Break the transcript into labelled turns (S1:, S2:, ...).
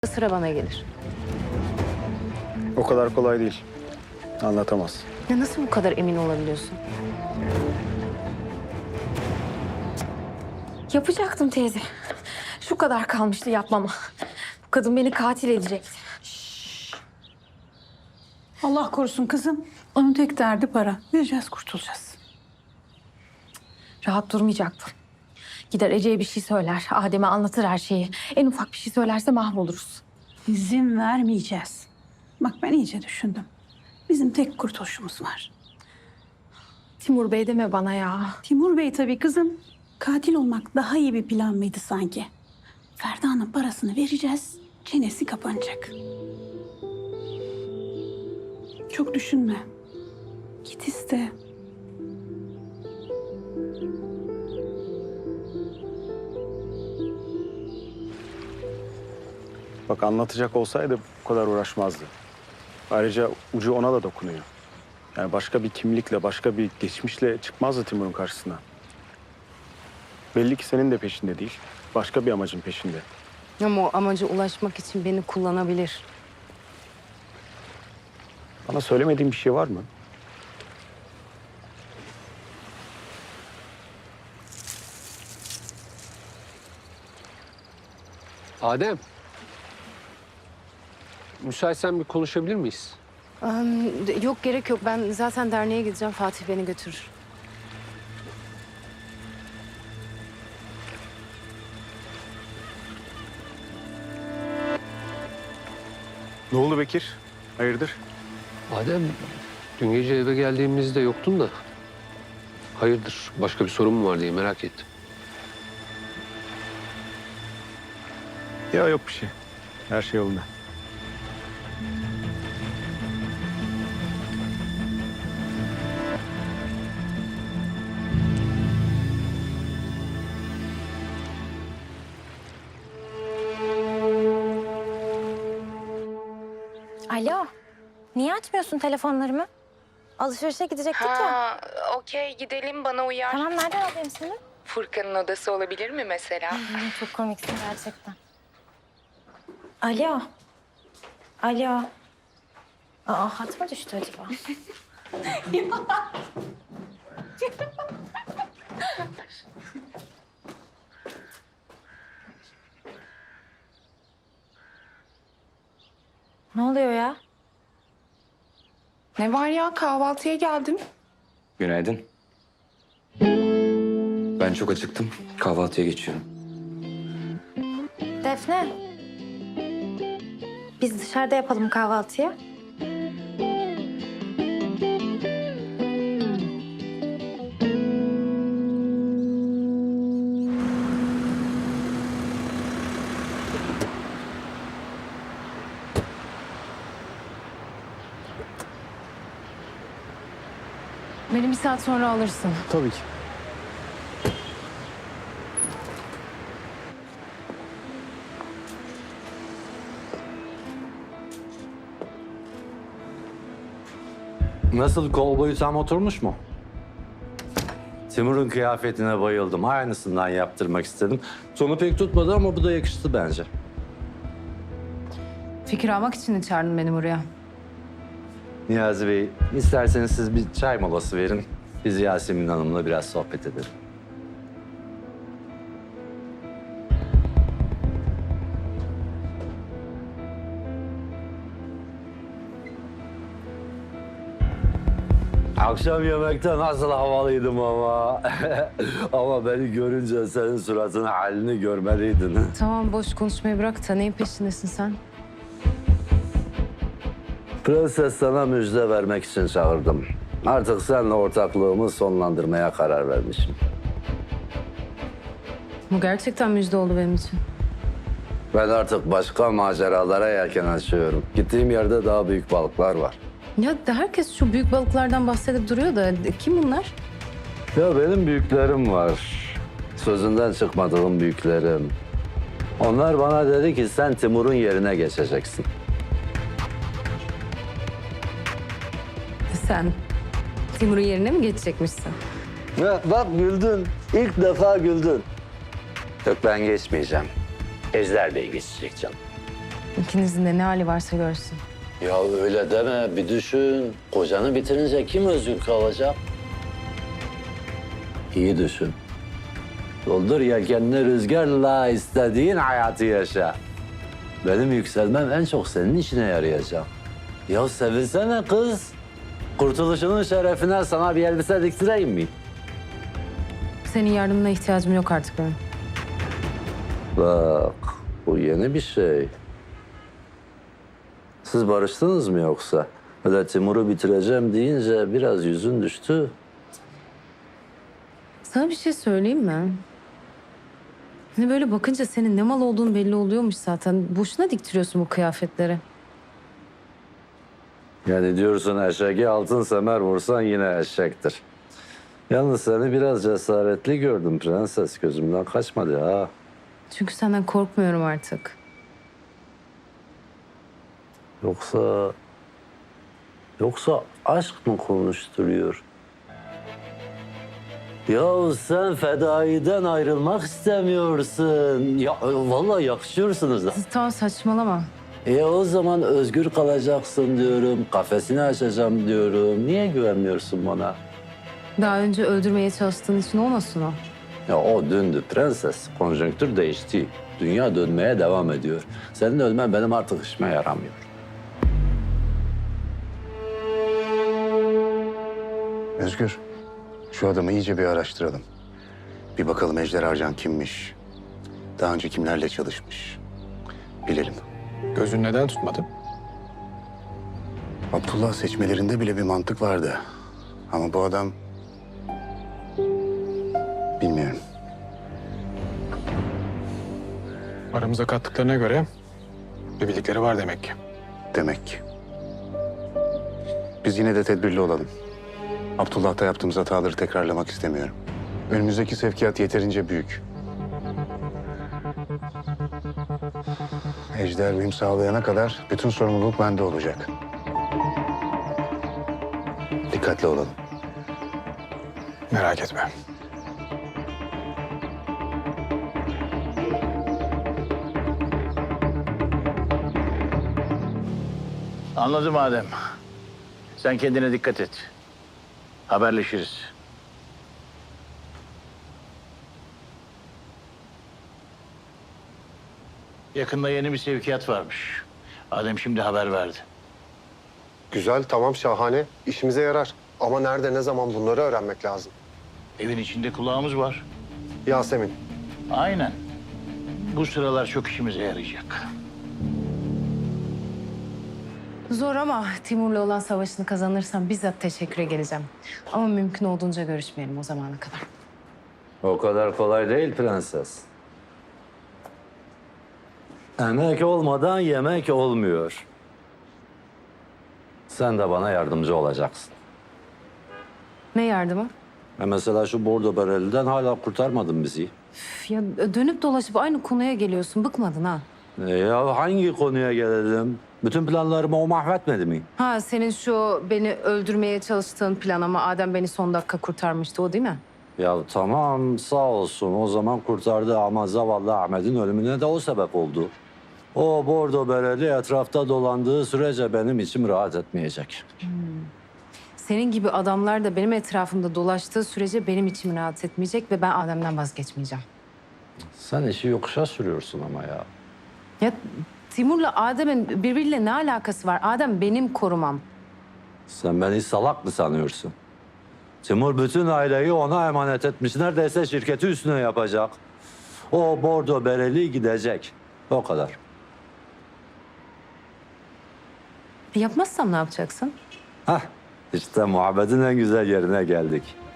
S1: sıra bana gelir.
S2: O kadar kolay değil. Anlatamaz.
S1: Ya nasıl bu kadar emin olabiliyorsun?
S3: Yapacaktım teyze. Şu kadar kalmıştı yapmama. Bu kadın beni katil edecekti.
S4: Allah korusun kızım. Onun tek derdi para. Vereceğiz, kurtulacağız.
S3: Rahat durmayacaktım. Gider Ece'ye bir şey söyler. Adem'e anlatır her şeyi. En ufak bir şey söylerse mahvoluruz.
S4: İzin vermeyeceğiz. Bak ben iyice düşündüm. Bizim tek kurtuluşumuz var.
S3: Timur Bey deme bana ya.
S4: Timur Bey tabii kızım. Katil olmak daha iyi bir plan mıydı sanki? Ferda'nın parasını vereceğiz. Çenesi kapanacak. Çok düşünme. Git iste.
S2: Bak anlatacak olsaydı bu kadar uğraşmazdı. Ayrıca ucu ona da dokunuyor. Yani başka bir kimlikle, başka bir geçmişle çıkmazdı Timur'un karşısına. Belli ki senin de peşinde değil. Başka bir amacın peşinde.
S1: Ama o amaca ulaşmak için beni kullanabilir.
S2: Bana söylemediğin bir şey var mı?
S5: Adem. Müsaitsen bir konuşabilir miyiz?
S1: Yok gerek yok. Ben zaten derneğe gideceğim. Fatih beni götürür.
S2: Ne oldu Bekir? Hayırdır?
S5: Adem, dün gece eve geldiğimizde yoktun da. Hayırdır, başka bir sorun mu var diye merak ettim.
S2: Ya yok bir şey. Her şey yolunda.
S3: Alo. Niye açmıyorsun telefonlarımı? Alışverişe gidecektik ya.
S6: Okey gidelim bana uyar.
S3: Tamam nereden alayım seni?
S6: Furkan'ın odası olabilir mi mesela?
S3: Çok komiksin gerçekten. Alo. Alo. Aa hat mı düştü acaba? Ne oluyor ya?
S6: Ne var ya kahvaltıya geldim.
S7: Günaydın. Ben çok acıktım. Kahvaltıya geçiyorum.
S3: Defne. Biz dışarıda yapalım kahvaltıyı.
S1: Beni bir saat sonra alırsın.
S2: Tabii ki.
S8: Nasıl, kol boyu tam oturmuş mu? Timur'un kıyafetine bayıldım. Aynısından yaptırmak istedim. Sonu pek tutmadı ama bu da yakıştı bence.
S1: Fikir almak için de çağırdın beni buraya.
S8: Niyazi Bey, isterseniz siz bir çay molası verin. Biz Yasemin Hanım'la biraz sohbet edelim. Akşam yemekte nasıl havalıydım ama. Ama beni görünce senin suratının halini görmeliydin.
S1: Tamam boş konuşmayı bırak da neyin peşindesin sen?
S8: Prenses sana müjde vermek için çağırdım. Artık seninle ortaklığımı sonlandırmaya karar vermişim.
S1: Bu gerçekten müjde oldu benim için.
S8: Ben artık başka maceralara yelken açıyorum. Gittiğim yerde daha büyük balıklar var.
S1: Ya herkes şu büyük balıklardan bahsedip duruyor da kim bunlar?
S8: Ya benim büyüklerim var. Sözünden çıkmadığım büyüklerim. Onlar bana dedi ki sen Timur'un yerine geçeceksin.
S1: Sen Timur'un yerine mi geçecekmişsin?
S8: Ya bak güldün. İlk defa güldün. Yok ben geçmeyeceğim. Ejder Bey geçecek canım.
S1: İkinizin de ne hali varsa görsün.
S8: Ya öyle deme, bir düşün. Kocanı bitirince kim özgür kalacak? İyi düşün. Doldur yelkenini rüzgarla, istediğin hayatı yaşa. Benim yükselmem en çok senin işine yarayacak. Ya sevinsene kız. Kurtuluşunun şerefine sana bir elbise diktireyim mi?
S1: Senin yardımına ihtiyacım yok artık benim.
S8: Bak, bu yeni bir şey. Siz barıştınız mı yoksa? Öyle Timur'u bitireceğim deyince biraz yüzün düştü.
S1: Sana bir şey söyleyeyim mi? Hani böyle bakınca senin ne mal olduğun belli oluyormuş zaten. Boşuna diktiriyorsun bu kıyafetleri.
S8: Yani diyorsun eşeğe altın semer vursan yine eşektir. Yalnız seni biraz cesaretli gördüm prenses. Gözümden kaçmadı ha.
S1: Çünkü senden korkmuyorum artık.
S8: Yoksa aşk mı konuşturuyor? Ya sen fedaiden ayrılmak istemiyorsun. Ya vallahi yakışıyorsunuz da.
S1: Tamam saçmalama.
S8: O zaman özgür kalacaksın diyorum. Kafesini açacağım diyorum. Niye güvenmiyorsun bana?
S1: Daha önce öldürmeye çalıştığın için olmasın o.
S8: Ya o dündü prenses. Konjonktür değişti. Dünya dönmeye devam ediyor. Senin ölmen benim artık işime yaramıyor.
S9: Özgür, şu adamı iyice bir araştıralım. Bir bakalım Ejder Arcan kimmiş? Daha önce kimlerle çalışmış? Bilelim.
S2: Gözün neden tutmadı?
S9: Abdullah seçmelerinde bile bir mantık vardı. Ama bu adam... Bilmiyorum.
S2: Aramıza kattıklarına göre bir bildikleri var demek ki.
S9: Demek ki. Biz yine de tedbirli olalım. Abdullah'ta yaptığımız hataları tekrarlamak istemiyorum. Önümüzdeki sevkiyat yeterince büyük. Ejder uyum sağlayana kadar bütün sorumluluk bende olacak. Dikkatli olalım.
S2: Merak etme.
S10: Anladım Adem. Sen kendine dikkat et. Haberleşiriz. Yakında yeni bir sevkiyat varmış. Adem şimdi haber verdi.
S11: Güzel, tamam, şahane. İşimize yarar. Ama nerede, ne zaman bunları öğrenmek lazım.
S10: Evin içinde kulağımız var.
S11: Yasemin,
S10: Aynen. Bu sıralar çok işimize yarayacak.
S1: Zor ama Timur'la olan savaşını kazanırsam bizzat teşekküre geleceğim. Ama mümkün olduğunca görüşmeyelim o zamana kadar.
S8: O kadar kolay değil prenses. Emek olmadan yemek olmuyor. Sen de bana yardımcı olacaksın.
S1: Ne yardımı?
S8: Mesela şu bordo bereliden hala kurtarmadın bizi.
S1: Üf, ya dönüp dolaşıp aynı konuya geliyorsun. Bıkmadın ha?
S8: Ya hangi konuya gelelim? Bütün planlarımı o mahvetmedi mi?
S1: Ha senin şu beni öldürmeye çalıştığın plan ama Adem beni son dakika kurtarmıştı o değil mi?
S8: Ya tamam sağ olsun o zaman kurtardı ama zavallı Ahmet'in ölümüne de o sebep oldu. O bordo bereli etrafta dolandığı sürece benim içim rahat etmeyecek.
S1: Senin gibi adamlar da benim etrafımda dolaştığı sürece benim içim rahat etmeyecek ve ben Adem'den vazgeçmeyeceğim.
S8: Sen işi yokuşa sürüyorsun ama ya.
S1: Ya Timur'la Adem'in birbiriyle ne alakası var? Adem benim korumam.
S8: Sen beni salak mı sanıyorsun? Timur bütün aileyi ona emanet etmiş. Neredeyse şirketi üstüne yapacak. O bordo bereli gidecek. O kadar.
S1: Yapmazsam ne yapacaksın?
S8: Hah, işte muhabbetin en güzel yerine geldik.